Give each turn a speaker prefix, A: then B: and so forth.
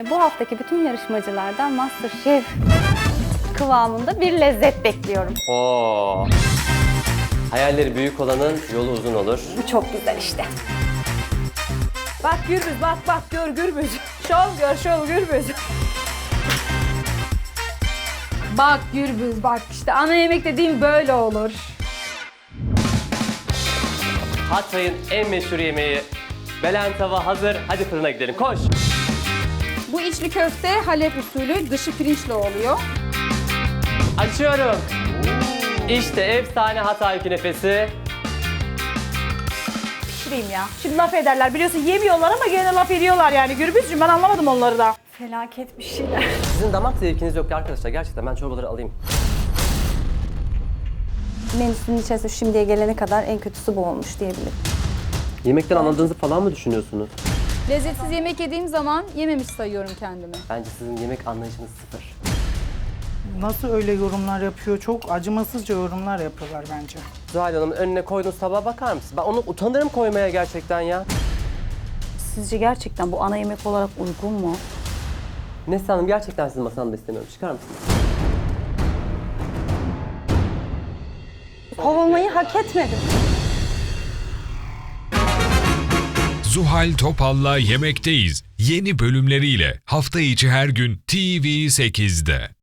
A: Bu haftaki bütün yarışmacılardan MasterChef kıvamında bir lezzet bekliyorum.
B: Oo. Hayalleri büyük olanın yolu uzun olur.
A: Bu çok güzel işte.
C: Bak Gürbüz, bak gör Gürbüz. Şov Gürbüz. Bak Gürbüz, bak işte ana yemek dediğim böyle olur.
B: Hatay'ın en meşhur yemeği belen tava hazır. Hadi fırına gidelim. Koş.
C: Bu içli köfte Halep usulü, dışı pirinçli oluyor.
B: Açıyorum. İşte efsane Hatay künefesi.
C: Pişireyim ya. Şimdi laf ederler. Biliyorsun yemiyorlar ama gene laf ediyorlar yani. Gürbüzcüğüm ben anlamadım onları da.
A: Felaket bir şeyler.
B: Sizin damak zevkiniz yok ya arkadaşlar. Gerçekten ben çorbaları alayım.
A: Menüsünün içerisinde şimdiye gelene kadar en kötüsü bu olmuş diyebilirim.
B: Yemekten anladığınızı falan mı düşünüyorsunuz?
C: Lezzetsiz yemek yediğim zaman yememiş sayıyorum kendimi.
B: Bence sizin yemek anlayışınız sıfır.
D: Nasıl öyle yorumlar yapıyor? Çok acımasızca yorumlar yapıyorlar bence.
B: Zuhal Hanım önüne koyduğunuz tabağa bakar mısın? Ben onu utanırım koymaya gerçekten ya.
A: Sizce gerçekten bu ana yemek olarak uygun mu?
B: Neslihan Hanım gerçekten sizin masamda istemiyorum. Çıkar mısınız?
A: Kovulmayı hak etmedim.
E: Zuhal Topal'la Yemekteyiz yeni bölümleriyle hafta içi her gün TV8'de.